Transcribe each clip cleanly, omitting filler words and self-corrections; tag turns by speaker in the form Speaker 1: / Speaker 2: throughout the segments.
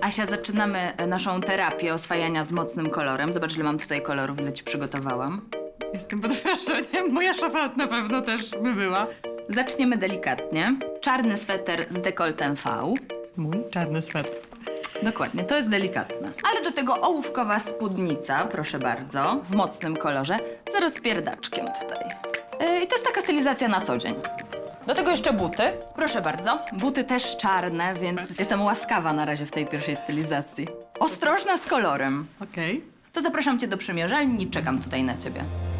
Speaker 1: Asia, zaczynamy naszą terapię oswajania z mocnym kolorem. Zobacz, ile mam tutaj kolorów, ile ci przygotowałam.
Speaker 2: Jestem pod wrażeniem. Moja szafa na pewno też by była.
Speaker 1: Zaczniemy delikatnie. Czarny sweter z dekoltem V.
Speaker 2: Mój czarny sweter.
Speaker 1: Dokładnie, to jest delikatne. Ale do tego ołówkowa spódnica, proszę bardzo, w mocnym kolorze, z rozpierdaczkiem tutaj. I to jest taka stylizacja na co dzień. Do tego jeszcze buty. Proszę bardzo. Buty też czarne, więc jestem łaskawa na razie w tej pierwszej stylizacji. Ostrożna z kolorem.
Speaker 2: Okej.
Speaker 1: To zapraszam cię do przymierzalni i czekam tutaj na ciebie.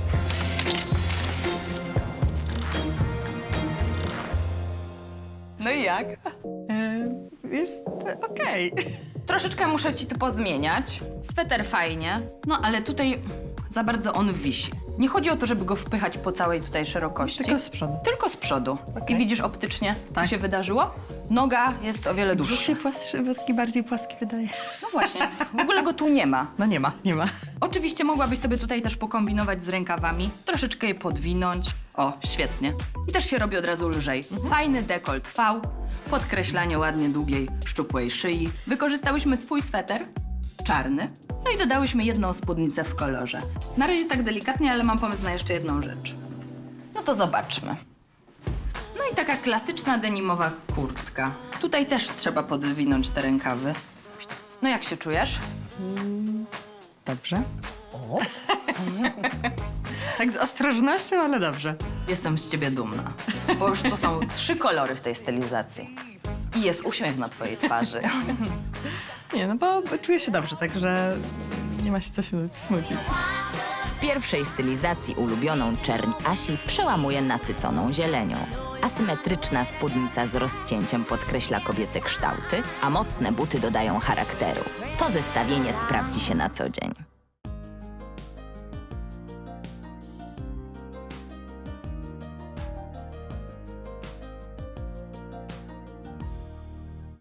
Speaker 1: No i jak?
Speaker 2: Jest okej.
Speaker 1: Troszeczkę muszę ci tu pozmieniać. Sweter fajnie, no ale tutaj za bardzo on wisi. Nie chodzi o to, żeby go wpychać po całej tutaj szerokości.
Speaker 2: Tylko z przodu.
Speaker 1: Tylko z przodu.
Speaker 2: Okej.
Speaker 1: I widzisz optycznie, co
Speaker 2: Tak.
Speaker 1: się wydarzyło? Noga jest o wiele
Speaker 2: Brzuch
Speaker 1: dłuższa.
Speaker 2: się płastrzy, bo taki bardziej płaski wydaje.
Speaker 1: No właśnie, w ogóle go tu nie ma.
Speaker 2: No nie ma.
Speaker 1: Oczywiście mogłabyś sobie tutaj też pokombinować z rękawami, troszeczkę je podwinąć. O, świetnie. I też się robi od razu lżej. Fajny dekolt V, podkreślanie ładnie długiej, szczupłej szyi. Wykorzystałyśmy twój sweter, czarny, no i dodałyśmy jedną spódnicę w kolorze. Na razie tak delikatnie, ale mam pomysł na jeszcze jedną rzecz. No to zobaczmy. No i taka klasyczna denimowa kurtka. Tutaj też trzeba podwinąć te rękawy. No jak się czujesz?
Speaker 2: Dobrze. Tak z ostrożnością, ale dobrze.
Speaker 1: Jestem z ciebie dumna, bo już to są 3 kolory w tej stylizacji. I jest uśmiech na twojej twarzy.
Speaker 2: Nie, no bo czuję się dobrze, także nie ma się co się smucić.
Speaker 3: W pierwszej stylizacji ulubioną czerń Asi przełamuje nasyconą zielenią. Asymetryczna spódnica z rozcięciem podkreśla kobiece kształty, a mocne buty dodają charakteru. To zestawienie sprawdzi się na co dzień.